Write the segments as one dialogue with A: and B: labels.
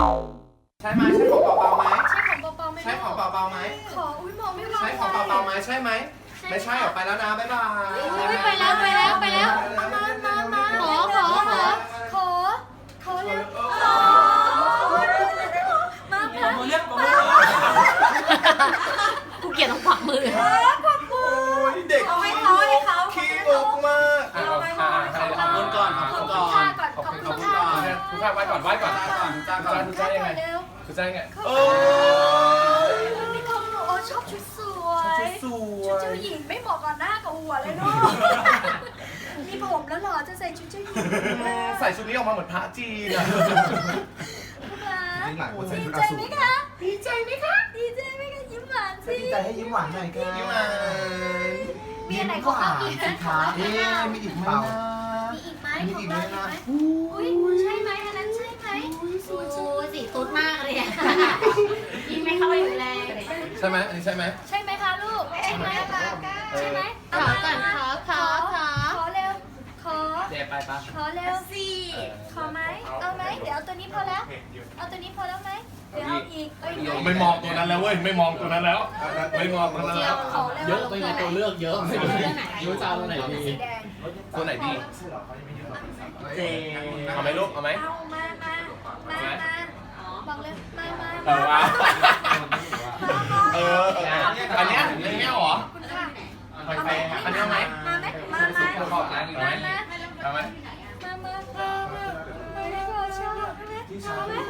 A: ใช่ไหมใช่ของเบาๆไหม
B: ใช่ของเบาๆไหม
A: ใช่ของเบาๆไหม
B: ขออุ้ยมองไม่วาง
A: ใช่ของเบาๆไหมใช่ไหมไม่ใช่ออกไปแล้วนะบ๊ายบาย
B: ไปแล้วมาขอเร็วมา
C: เรียก
B: กูเกลียดต้องขวักมือ
A: โอ้ยเด็กขี้งกมาก
C: ขอบคุณก่อนขอบคุณก่อน
B: ขอบคุณค่ะ
C: ทุกท่านไหว้ก่อนไหว้ก่อนทุกท่านยังไง
B: เร็ว
C: ทุกท่านยังไง
A: โอ้ย
B: มีของหนูโอ้ชอบชุดสวย
A: สว
B: ชุดเจ้าย หญิงไม่เหมาะกับหน้ากับหัวเลยเนาะมีผมแล้วหรอจะใส่ชุดเจ้าหญิง
A: ใส่ชุดนี้ออกมาเหมือนพระจีนอะ
B: ดีใจไหมคะดีใจไหมคะยิ้มหวานสิ
D: ดีใจให้ยิ้มหวานหน่อยครับ
A: ยิ้มหวาน
B: มีอะไรของเราอีก
D: สิคะมีอีกเปล่า
B: มีอีกไหมของเราอีกไหมอุ้ยใช่ไหมอันนั้นใช่ไหมสูสีตุ๊ดมากเลยยิ้มไม่เข้าไปอยู่เลย
A: ใช่ไหมอันนี้ใช่ไหม
B: ใช่ไหมคะลูกใช่ไหมใช่ไหมขอก่อนขอเร็วขอ
C: เจ๊ไปปะ
B: ขอเร็วสิขอไหมเอาไหมเดี๋ยวเอาตัวนี้พอแล้วเอาตัวนี้พอแล้วไหมเดี๋ยวเอาอีกเอ้ย
A: ไม่มองตัวนั้นแล้วเว้ยไม่มองตัวนั้นแล้วไม่มองตัวนั้น
B: เจีย
A: แล้ว ว
B: ขอเร็ว
C: เยอะไปไงตัวเลือกเยอะไม่รู้รู้จะเอาตัวไหนดี
B: สีแดง
A: ตัวไหนดี
C: เจ๊
A: เอาไหมลูกเอาไหม
B: เอามาบอกเลยมา
A: เออเอาอันเนี้ยเหรอ
B: คุณค่ะ
A: อันนี้เอาไหม
B: มาไหมมา
A: ขอบนะเอาไหมเอาไหม
B: ไม่พอชอบเอาไหม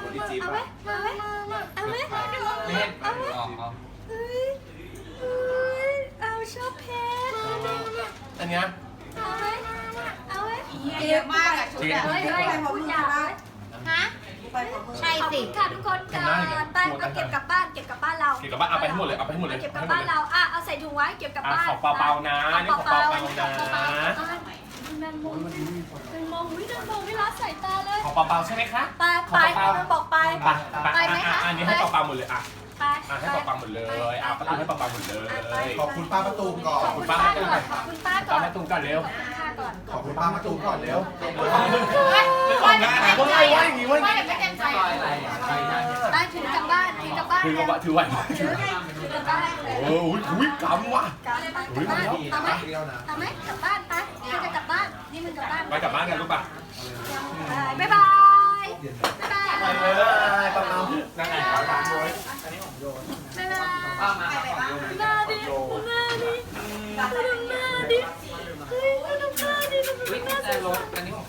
B: เอาชอบเพชร
A: อันเนี้ย
B: เอาไหมเอาไหม
E: เยอะมากอะชุดอะ
B: เฮ้ยพูดยาวฮะใช่สิค่ะทุกคนก่อนไปเอาเก็บกลับบ้านเรา
A: เก็บกลับบ้านเอาไปให้หมดเลยเอาไปให้หมดเลย
B: เก็บกลับบ้านเราเอาใส่ถุงไว้เก็บกลับบ้าน
A: ของเปาๆนะนี่ของเปาๆนะ
B: แมงมุมวิ่งไม่ละสายตาเลย
A: ของเปาๆใช่ไหมคะ
B: ไปมันบอกไป
A: ไปไหมคะอันนี้ให้เปาๆหมดเลยอ่ะ
B: ไป
A: ให้เปาๆหมดเลยอ่ะประตูให้เปาๆหมดเลย
D: ขอบคุณป้าประตูมก่อน
B: ขอบคุณป้าก่อนขอบคุณป้าก่
A: ตา
B: อ
A: ม
B: น
A: แม่ตุ้มก่อนเร็ว
B: ป้าก่อน
D: ขอบคุณป้าประตูมก่อนเร็ว
A: ของงานนะว่าอย่างนี้ว่า
B: ไม่ไม่เต็มใจได้ถือกลับบ้านถือกลับบ้าน
A: ถือกระบะถือไหว
B: ถือกลับบ้าน
A: โอ้ยกำว่ะ
B: กลับบ้านเอาไหมเอาไหมกลับบ้านไปนี่จะกลับบ้านนี่มึงกลับบ้าน
A: ไปกลับบ้านกันลูกป่ะ
B: บ๊ายบายบ๊ายบาย
A: ไปเลยเปานั่งไงขอถามด้วย
B: บ๊ายบายมาดิมาดิมาดิเฮ้ยมาดิ
C: วิ่งแต่รถอันนี้ของ